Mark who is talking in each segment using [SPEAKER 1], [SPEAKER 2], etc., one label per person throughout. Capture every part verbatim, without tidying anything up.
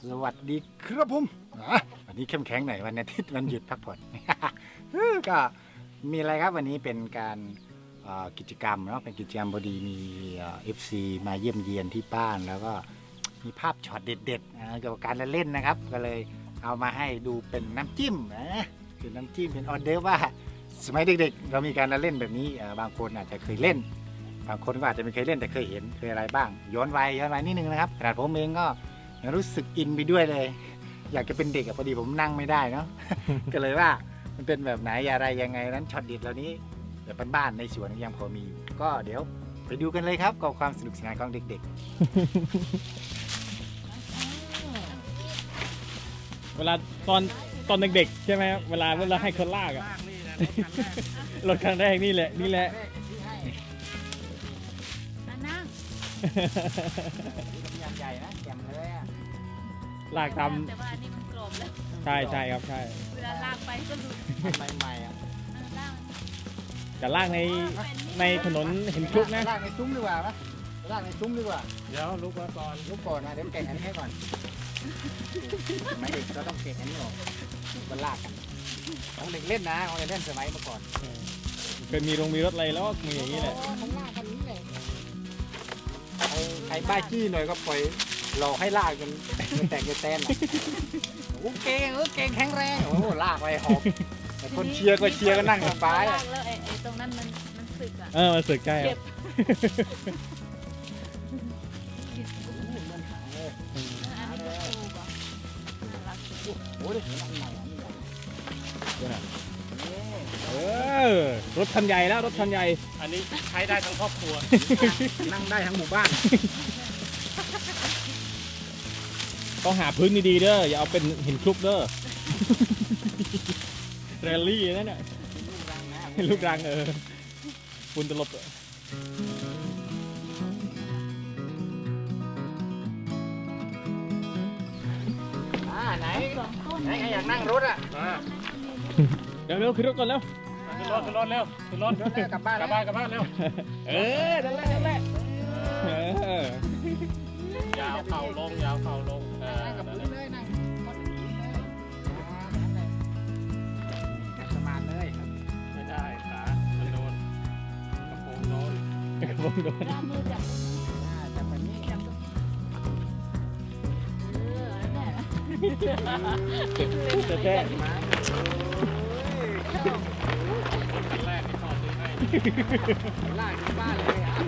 [SPEAKER 1] สวัสดีครับผมวันนี้เข้มแข็งหน่อยวันอาทิตย์วันหยุดพักผ่อน ก็มีอะไรครับวันนี้เป็นการกิจกรรมเนาะเป็นกิจกรรมพอดีมีเอฟซีมาเยี่ยมเยียนที่บ้านแล้วก็มีภาพช็อตเด็ดๆเกี่ยวกับการเล่นนะครับก็เลยเอามาให้ดูเป็นน้ำจิ้มนะเป็นน้ำจิ้มเป็นออเดอร์ว่าสมัยเด็กๆเรามีการเล่นแบบนี้บางคนอาจจะเคยเล่นบางคนก็อาจจะไม่เคยเล่นแต่เคยเห็นเคยอะไรบ้างย้อนวัยย้อนวัยนิดนึงนะครับขนาดผมเองก็รู้สึกอินไปด้วยเลยอยากจะเป็นเด็กอะพอดีผมนั่งไม่ได้เนาะ ก็เลยว่ามันเป็นแบบไหนอะไรยังไงนั้นช็อตเด็ดเหล่านี้แบบบ้านๆในสวนยังพอมีก็เดี๋ยวไปดูกันเลยครับกับความสนุกสนานของเด็ก
[SPEAKER 2] ๆ เวลาตอนตอนเด็กๆใช่ไหมเวลาเวลาให้คนลากอะรถคันแรกนี่แหละนี่แหละ
[SPEAKER 1] นั่งใหญ่นะแกมเลยอะ
[SPEAKER 2] ลากตาม
[SPEAKER 3] แต่ว่าอันนี้มันกรอบแล้ว
[SPEAKER 2] ใช่ใช่ครับใช่
[SPEAKER 3] เวลาลากไปก็ดู
[SPEAKER 1] ใหม่ๆอ่ะ
[SPEAKER 2] จะลากในในถนนเห็นคลุกนะ
[SPEAKER 1] ลากในซุ้มดีกว่าปะลากในซุ้มดีกว่า
[SPEAKER 2] เดี๋ยวลุกมาก่อน
[SPEAKER 1] ลุกก่อนนะเดี๋ยวเก่งอันนี้ให้ก่อนไม่เด็กก็ต้องเก่งอันนี้ออกมันลากกันของเด็กเล่นนะของเด็กเล่นสมัยเมื่อก่อน
[SPEAKER 2] เคยมีโรงมีรถอะไรแล้วมีอย่างนี้แหละ
[SPEAKER 1] ของลากกันนี้เลยใครบ้าจี้หน่อยก็ปล่อยหลอกให้ลากจนแตกแตนโอ้เก่งเออเก่งแข็งแรงโอ้ลากไปหอบแต่คนเชียร์ก็เชียร์ก็นั่งสบาย
[SPEAKER 3] แล้วไอ้ตรงนั้นมันมันสึกอ่ะ
[SPEAKER 2] เออมันสึกใกล้
[SPEAKER 1] โอ้ยเห็นอันใหม่
[SPEAKER 2] เออรถคันใหญ่แล้วรถคันใหญ่
[SPEAKER 4] อันนี้ใช้ได้ทั้งครอบครัว
[SPEAKER 1] นั่งได้ทั้งหมู่บ้าน
[SPEAKER 2] ต้องหาพื้นดีๆเด้ออย่าเอาเป็นหินคลุกเด้อแรลลี่นั่นน่ะลูกรังเออฝุ่นตลบ
[SPEAKER 1] อ่าไหนไหนใครอยากนั่งรถอ่ะ
[SPEAKER 2] เดี๋ยวเร็วขึ้นรถก่อนแล้ว
[SPEAKER 4] ขึ้นรถขึ้นรถเร็วขึ้นรถ
[SPEAKER 1] กลับบ้าน
[SPEAKER 4] กลับบ้านกลับบ้านเร็ว
[SPEAKER 2] เออนั่นแหละนั่นแหละ
[SPEAKER 4] ยาวเข่าลงยาวเข่าลงเออ
[SPEAKER 1] นั่งกับพื้นเลยนั่งสมาร์ทเลย
[SPEAKER 4] ไม่ได้ขามันโดนกระโปรงโดน
[SPEAKER 2] กระโปรงโดน
[SPEAKER 3] มือจับ
[SPEAKER 1] จับแบบนี้จับ
[SPEAKER 3] เออแน่
[SPEAKER 2] จะแท้
[SPEAKER 1] มา
[SPEAKER 4] ขั้นแรกที่ต่อซื้อให้
[SPEAKER 1] ลากถึงบ้านเลยอ่ะ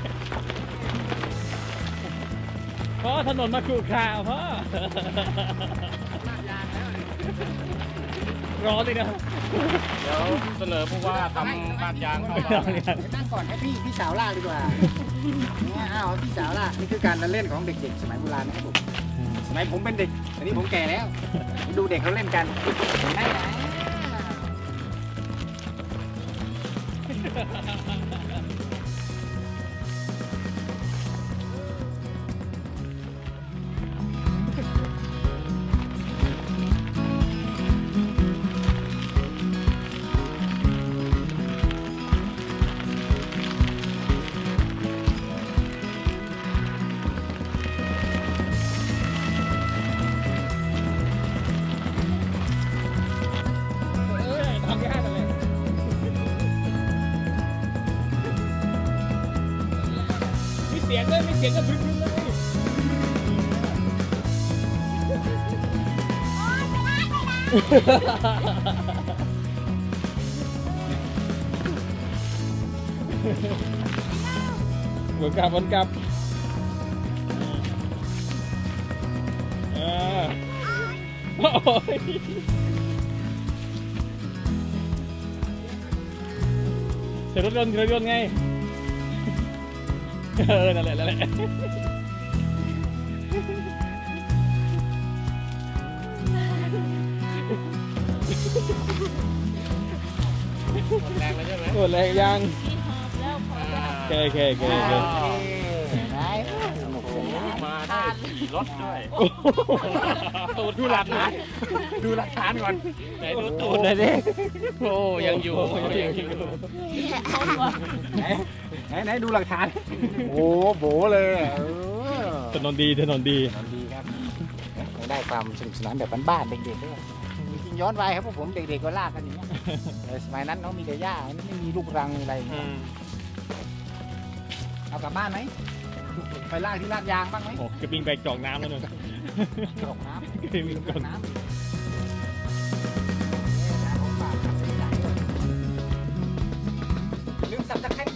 [SPEAKER 2] พ่อถนนมาขรุขระพ่อ
[SPEAKER 1] ลากยางแล้ว
[SPEAKER 2] ร้อนเลยนะ
[SPEAKER 4] เดี๋ยวเสนอผู้ว่าทำบ้านยางเข้ามา
[SPEAKER 1] นั่งก่อนให้พี่พี่สาวลากดีกว่าเนี่ยอ้าวพี่สาวลากนี่คือการเล่นของเด็กๆสมัยโบราณนะครับผมสมัยผมเป็นเด็กตอนนี้ผมแก่แล้วดูเด็กเขาเล่นกันไหนไหน
[SPEAKER 2] เสียงเลยมีเสียงก็พึ่งเลยวนกลับวนกลับเออโอ้ยเสร็จรถยนต์รถยนต์ไงเออนั่นแหละนั่นแหละ
[SPEAKER 4] หมดแรงแล้วใช่ไหม
[SPEAKER 2] หมดแรงยัง
[SPEAKER 3] ที่หอบแล้วพอ
[SPEAKER 2] โอเคโอเคโอเค
[SPEAKER 4] มาได้ขี่รถด้วยตูดดูหลักฐานดูหลักฐานก่อนไหนดูตูดเลยดิโอ้ยังอยู่ยังอยู่
[SPEAKER 1] ไหนไหนดูหลักฐานโอ้โบเลย
[SPEAKER 2] ถนนดีถนนดี
[SPEAKER 1] ถนนดีครับโอ้ได้ความสนุกสนานแบบบ้านๆเด็กๆด้วยจริงๆย้อนวัยครับพวกผมเด็กๆก็ลากกันอย่างเงี้ยแต่สมัยนั้นเขามีแต่หญ้าไม่มีลูกรังอะไรอย่าง
[SPEAKER 4] อื
[SPEAKER 1] เงี้ย
[SPEAKER 4] ม
[SPEAKER 1] เอากลับบ้านไหมไปลากที่ลาดยางบ้างไหม
[SPEAKER 2] โอ้กระปิงไปจอกน้ำแล้วนึง
[SPEAKER 1] กรอกน้ำ
[SPEAKER 2] กระปิง
[SPEAKER 1] ก
[SPEAKER 2] จ
[SPEAKER 1] ร
[SPEAKER 2] อ
[SPEAKER 1] อก กน้ำเนี่ยนะของฝากครับใส่ใจอย่าลืมสับตะไคร้